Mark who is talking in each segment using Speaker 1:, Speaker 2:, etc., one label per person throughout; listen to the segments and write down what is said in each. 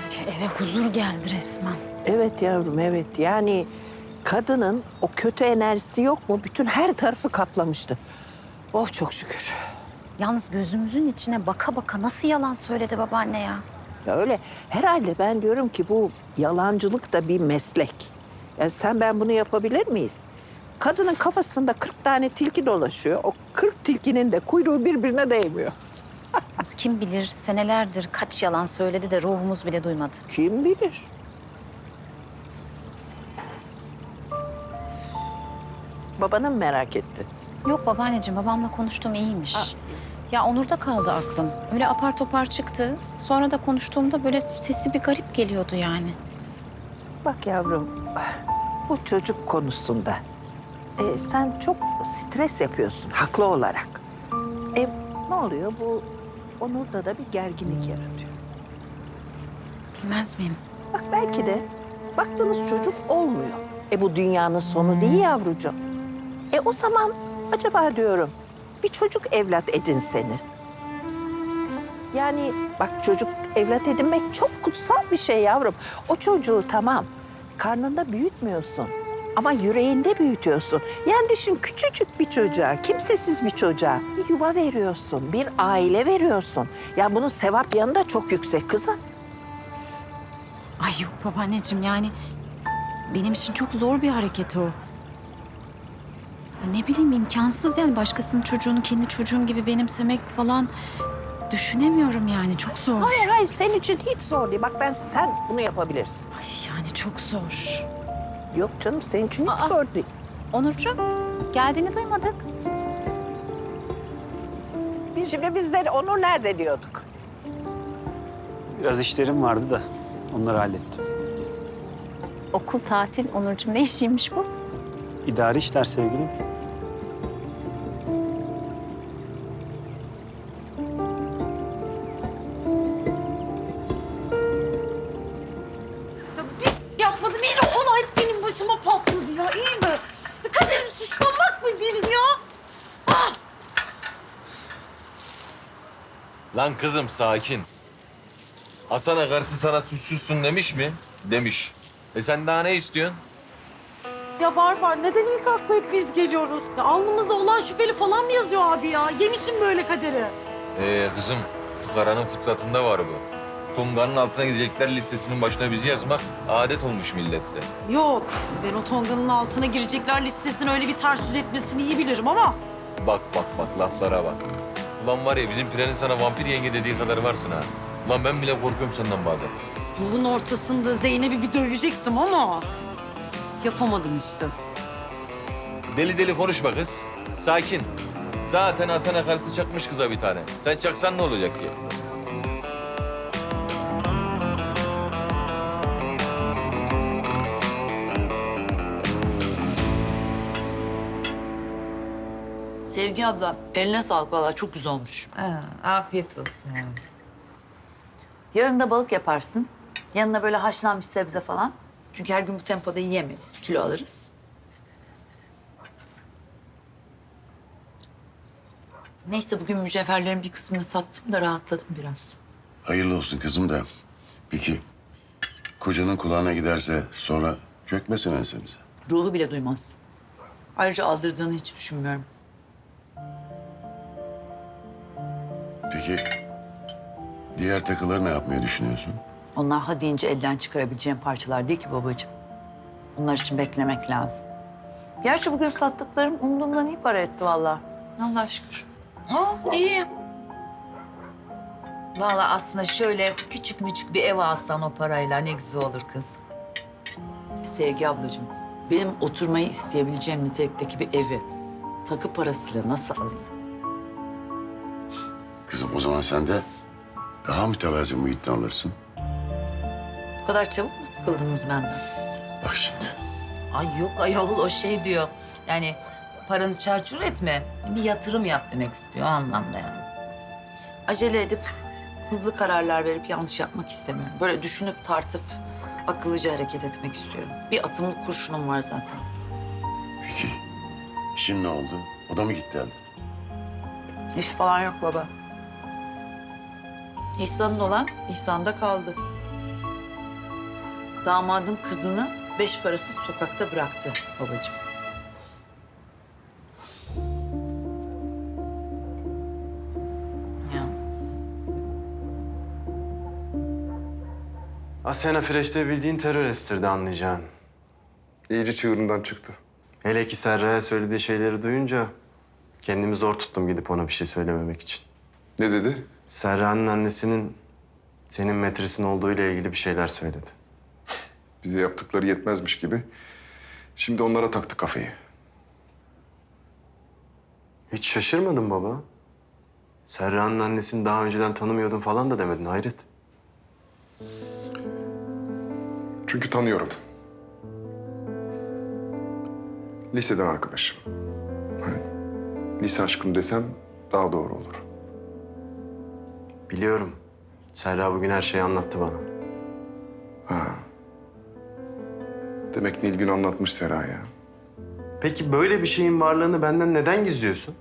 Speaker 1: Eve huzur geldi resmen.
Speaker 2: Evet yavrum, evet. Yani kadının o kötü enerjisi yok mu? Bütün her tarafı kaplamıştı. Oh çok şükür.
Speaker 1: Yalnız gözümüzün içine baka baka nasıl yalan söyledi babaanne ya?
Speaker 2: Ya öyle herhalde ben diyorum ki bu yalancılık da bir meslek. Ya sen ben bunu yapabilir miyiz? Kadının kafasında 40 tane tilki dolaşıyor. O 40 tilkinin de kuyruğu birbirine değmiyor.
Speaker 1: Kim bilir senelerdir kaç yalan söyledi de ruhumuz bile duymadı.
Speaker 2: Kim bilir? Babanı mı merak ettin?
Speaker 1: Yok babaanneciğim, babamla konuştum, iyiymiş. Ya Onur'da kaldı aklım. Öyle apar topar çıktı. Sonra da konuştuğumda böyle sesi bir garip geliyordu yani.
Speaker 2: Bak yavrum, bu çocuk konusunda sen çok stres yapıyorsun haklı olarak. Ne oluyor? Bu Onur'da da bir gerginlik yaratıyor.
Speaker 1: Bilmez miyim?
Speaker 2: Bak belki de baktığınız çocuk olmuyor. Bu dünyanın sonu değil yavrucuğum. O zaman acaba diyorum bir çocuk evlat edinseniz. Yani bak çocuk evlat edinmek çok kutsal bir şey yavrum. O çocuğu tamam karnında büyütmüyorsun ama yüreğinde büyütüyorsun. Yani düşün küçücük bir çocuğa, kimsesiz bir çocuğa bir yuva veriyorsun, bir aile veriyorsun. Ya bunun sevap yanı da çok yüksek kızım.
Speaker 1: Ay yok babaanneciğim, yani benim için çok zor bir hareket o. Ya ne bileyim, imkansız yani başkasının çocuğunu kendi çocuğum gibi benimsemek falan düşünemiyorum yani, çok zor.
Speaker 2: Hayır senin için hiç zor değil. Bak sen bunu yapabilirsin.
Speaker 1: Ay yani çok zor.
Speaker 2: Yok canım senin için hiç zor değil.
Speaker 1: Onurcuğum, geldiğini duymadık.
Speaker 2: Biz de Onur nerede diyorduk?
Speaker 3: Biraz işlerim vardı da onları hallettim.
Speaker 1: Okul, tatil, Onurcuğum, ne işiymiş bu?
Speaker 3: İdari işler sevgilim.
Speaker 4: Yapmadım, yine olay benim başıma patladı ya, iyi mi? Kaderimi suçlamak mı benim ya?
Speaker 5: Lan kızım sakin. Hasan karısı sana suçsuzsun demiş mi? Demiş. Sen daha ne istiyorsun?
Speaker 4: Ya var, neden ilk akla hep biz geliyoruz? Ya alnımızda olan şüpheli falan mı yazıyor abi ya? Yemişim böyle kaderi.
Speaker 5: Kızım fıkaranın fıtratında var bu. Tunganın altına gidecekler listesinin başına bizi yazmak adet olmuş millette.
Speaker 4: Yok, ben o Tonga'nın altına girecekler listesini öyle bir ters yüz etmesini iyi bilirim ama...
Speaker 5: Bak laflara bak. Ulan var ya bizim Pire'nin sana vampir yenge dediği kadar varsın ha. Ulan ben bile korkuyorum senden bazen.
Speaker 4: Yolun ortasında Zeynep'i bir dövecektim ama... yapamadım işte.
Speaker 5: Deli deli konuşma kız. Sakin. Zaten Hasan'a karısı çakmış kıza bir tane. Sen çaksan ne olacak ki?
Speaker 6: Sevgi abla, eline sağlık vallahi çok güzel olmuş.
Speaker 7: Afiyet olsun.
Speaker 6: Yarın da balık yaparsın. Yanına böyle haşlanmış sebze falan. Çünkü her gün bu tempoda yiyemeyiz, kilo alırız. Neyse bugün mücevherlerin bir kısmını sattım da rahatladım biraz.
Speaker 8: Hayırlı olsun kızım da. Peki kocanın kulağına giderse sonra çökmesin ensemize.
Speaker 6: Ruhu bile duymaz. Ayrıca aldırdığını hiç düşünmüyorum.
Speaker 8: Peki diğer takıları ne yapmayı düşünüyorsun?
Speaker 6: Onlar ha deyince elden çıkarabileceğim parçalar değil ki babacığım. Bunlar için beklemek lazım. Gerçi bugün sattıklarım umduğumdan iyi para etti vallahi. Allah'a şükür.
Speaker 7: Oh iyi. Vallahi aslında şöyle küçük müçük bir ev alsan o parayla ne güzel olur kız.
Speaker 6: Sevgi ablacığım, benim oturmayı isteyebileceğim nitelikteki bir evi takı parasıyla nasıl alayım?
Speaker 8: Kızım o zaman sen de daha mütevazi muhitten alırsın.
Speaker 6: Bu kadar çabuk mu sıkıldınız benden?
Speaker 8: Bak şimdi.
Speaker 7: Ay yok ayol, o şey diyor. Yani paranı çarçur etme, bir yatırım yap demek istiyor o anlamda yani.
Speaker 6: Acele edip hızlı kararlar verip yanlış yapmak istemiyorum. Böyle düşünüp tartıp akıllıca hareket etmek istiyorum. Bir atımlık kurşunum var zaten.
Speaker 8: Peki işin ne oldu? O da mı gitti elde?
Speaker 6: İş falan yok baba. İhsan'ın olan İhsan'da kaldı.
Speaker 7: Damadın kızını 5 parasız sokakta bıraktı babacığım. Ya.
Speaker 9: Asena Freş'te bildiğin terör estirdi anlayacağın.
Speaker 10: İyice çığırından çıktı.
Speaker 9: Hele ki Serra'ya söylediği şeyleri duyunca kendimi zor tuttum gidip ona bir şey söylememek için.
Speaker 10: Ne dedi?
Speaker 9: Serra'nın annesinin senin metresin olduğu ile ilgili bir şeyler söyledi.
Speaker 10: Bize yaptıkları yetmezmiş gibi. Şimdi onlara taktı kafayı.
Speaker 9: Hiç şaşırmadın baba. Serra'nın annesini daha önceden tanımıyordun falan da demedin hayret.
Speaker 10: Çünkü tanıyorum. Liseden arkadaşım. Hani lise aşkım desem daha doğru olur.
Speaker 9: Biliyorum. Serra bugün her şeyi anlattı bana.
Speaker 10: Ha. Demek Nilgün anlatmış Sera'ya.
Speaker 9: Peki böyle bir şeyin varlığını benden neden gizliyorsun?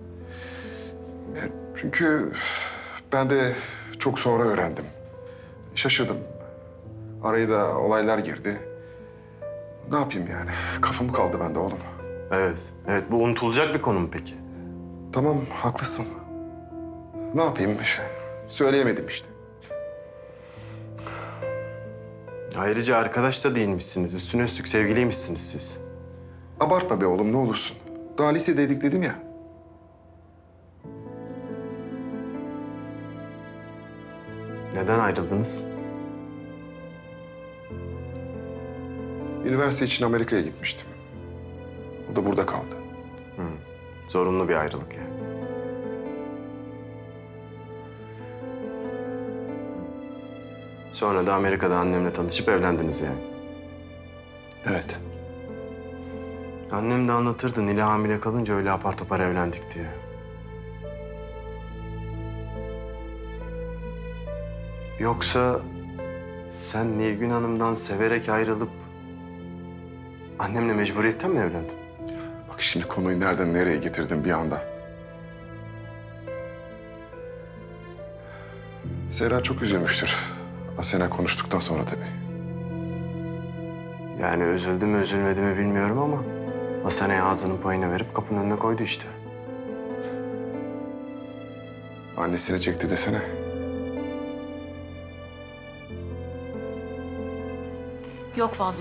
Speaker 10: Çünkü ben de çok sonra öğrendim. Şaşırdım. Araya da olaylar girdi. Ne yapayım yani? Kafam kaldı bende oğlum.
Speaker 9: Evet. Evet, bu unutulacak bir konu mu peki?
Speaker 10: Tamam, haklısın. Ne yapayım? Söyleyemedim işte.
Speaker 9: Ayrıca arkadaş da değilmişsiniz. Üstüne üstlük sevgiliymişsiniz siz.
Speaker 10: Abartma be oğlum, ne olursun. Daha lisedeydik dedim ya.
Speaker 9: Neden ayrıldınız?
Speaker 10: Üniversite için Amerika'ya gitmiştim. O da burada kaldı.
Speaker 9: Zorunlu bir ayrılık yani. Sonra da Amerika'da annemle tanışıp evlendiniz yani.
Speaker 10: Evet.
Speaker 9: Annem de anlatırdı Nil'e hamile kalınca öyle apar topar evlendik diye. Yoksa sen Nilgün Hanım'dan severek ayrılıp annemle mecburiyetten mi evlendin?
Speaker 10: Bak şimdi konuyu nereden nereye getirdim bir anda. Serra çok üzülmüştür. Asena konuştuktan sonra tabii.
Speaker 9: Yani üzüldü mü üzülmedi mi bilmiyorum ama Asena'ya ağzının payını verip kapının önüne koydu işte.
Speaker 10: Annesini çekti desene.
Speaker 1: Yok vallahi.